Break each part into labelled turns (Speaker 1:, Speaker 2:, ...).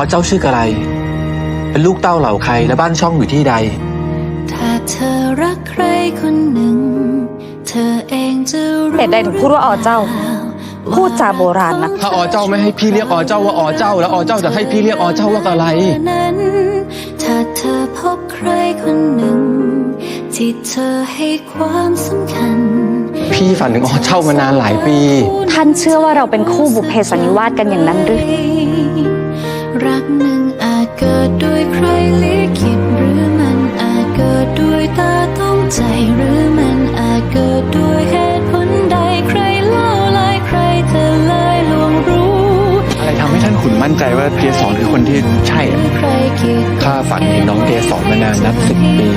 Speaker 1: เจ้าชื่อกะไรเป็นลูกเต้าเหล่าใครและบ้านช่องอยู่ที่ใด
Speaker 2: ถ้าเธอรักใครคนหนึ่งเธอเองจะรู้
Speaker 3: เหตุใดถึงพูดว่าอ๋อเจ้าพูดจาโบราณนะ
Speaker 1: ถ้าอ๋อเจ้าไม่ให้พี่เรียกอ๋อเจ้าว่าอ๋อเจ้าแล้วอ๋อเจ้าจะให้พี่เรียกอ๋อเจ้าว่ากะไร
Speaker 2: ถ้าเธอพบใครคนหนึ่งที่เธอให้ความสำคัญ
Speaker 1: พี่ฝันถึงอ๋อเจ้ามานานหลายปี
Speaker 3: ท่านเชื่อว่าเราเป็นคู่บุพเพสันนิวาสกันอย่างนั้นหรือ
Speaker 2: รักหนึ่งอาจเกิดด้วยใครลิขิตหรือมันอาจเกิดด้วยตาต้องใจหรือมันอาจเกิดด้วยเหตุผลใดใครเล่าลายใครเธอเลยลวงรู้
Speaker 1: อะไรทำให้ท่านขุนมั่นใจว่าเกสรคือคนที่ใช่ข้าฝันเห็นน้องเกสรมานานนับ10 ปี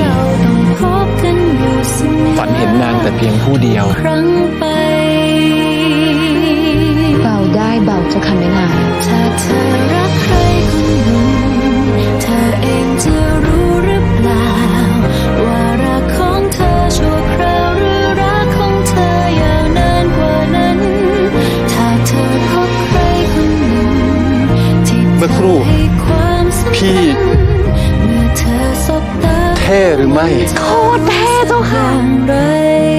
Speaker 1: ฝันเห็นนางแต่เพียงผู้เดียว
Speaker 3: เบาได้เบาจะคันไม่นาน
Speaker 2: ถ้าเธอรักใครคนหนึ่งเธอเองจะรู้หรือเปล่าว่ารักของเธอชั่วคราวหรือรักของเธอยาวนานกว่านั้นถ้าเธอพบใครคนหนึ่งที่เมื่อครู่พี่เมื่อเธอสบตา
Speaker 1: เท่หรือไม่
Speaker 3: โคตรเท่เจ้าค่ะ